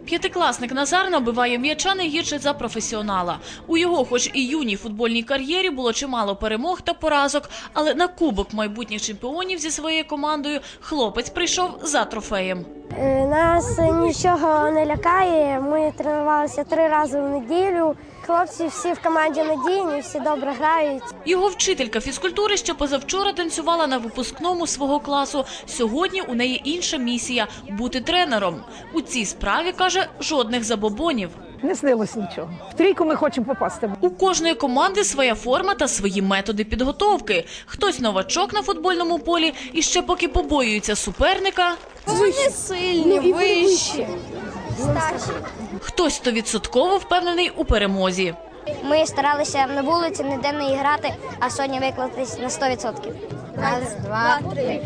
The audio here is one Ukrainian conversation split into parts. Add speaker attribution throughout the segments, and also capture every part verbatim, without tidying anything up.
Speaker 1: П'ятикласник Назар набиває м'яча не гірше за професіонала. У його, хоч і юній футбольній кар'єрі, було чимало перемог та поразок, але на Кубок майбутніх чемпіонів зі своєю командою хлопець прийшов за трофеєм.
Speaker 2: Нас нічого не лякає, ми тренувалися три рази в неділю. Хлопці всі в команді надійні, всі добре грають.
Speaker 1: Його вчителька фізкультури ще позавчора танцювала на випускному свого класу. Сьогодні у неї інша місія – бути тренером. У цій справі, каже, жодних забобонів.
Speaker 3: Не снилось нічого. В трійку ми хочемо попасти.
Speaker 1: У кожної команди своя форма та свої методи підготовки. Хтось новачок на футбольному полі і ще поки побоюється суперника.
Speaker 2: Вони сильні, вищі, старші.
Speaker 1: Хтось стовідсотково впевнений у перемозі.
Speaker 2: Ми старалися на вулиці ніде не грати, а сьогодні виклатись на сто відсотків. Раз, два, три.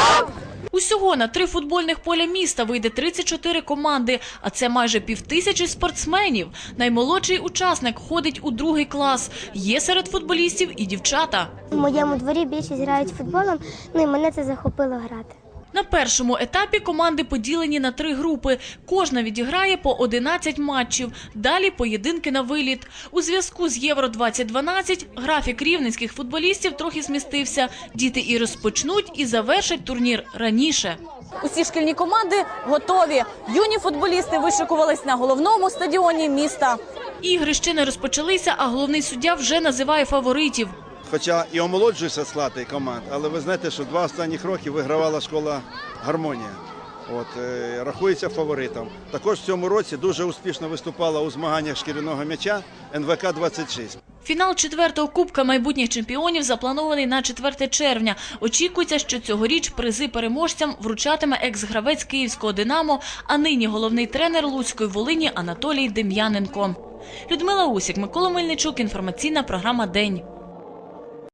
Speaker 1: Усього на три футбольних поля міста вийде тридцять чотири команди, а це майже півтисячі спортсменів. Наймолодший учасник ходить у другий клас. Є серед футболістів і дівчата.
Speaker 2: У моєму дворі більшість грають футболом, ну і мене це захопило грати.
Speaker 1: На першому етапі команди поділені на три групи. Кожна відіграє по одинадцять матчів. Далі поєдинки на виліт. У зв'язку з Євро двадцять дванадцять графік рівненських футболістів трохи змістився. Діти і розпочнуть, і завершать турнір раніше.
Speaker 4: Усі шкільні команди готові. Юні футболісти вишикувались на головному стадіоні міста.
Speaker 1: Ігри ще не розпочалися, а головний суддя вже називає фаворитів.
Speaker 5: Хоча і омолоджується склад команд, але ви знаєте, що два останніх роки вигравала школа «Гармонія». От, е, рахується фаворитом. Також в цьому році дуже успішно виступала у змаганнях шкіряного м'яча ен ве ка двадцять шість.
Speaker 1: Фінал четвертого Кубка майбутніх чемпіонів запланований на четверте червня. Очікується, що цьогоріч призи переможцям вручатиме екс-гравець київського «Динамо», а нині головний тренер Луцької Волині Анатолій Дем'яненко. Людмила Усік, Микола Мельничук, інформаційна програма «День».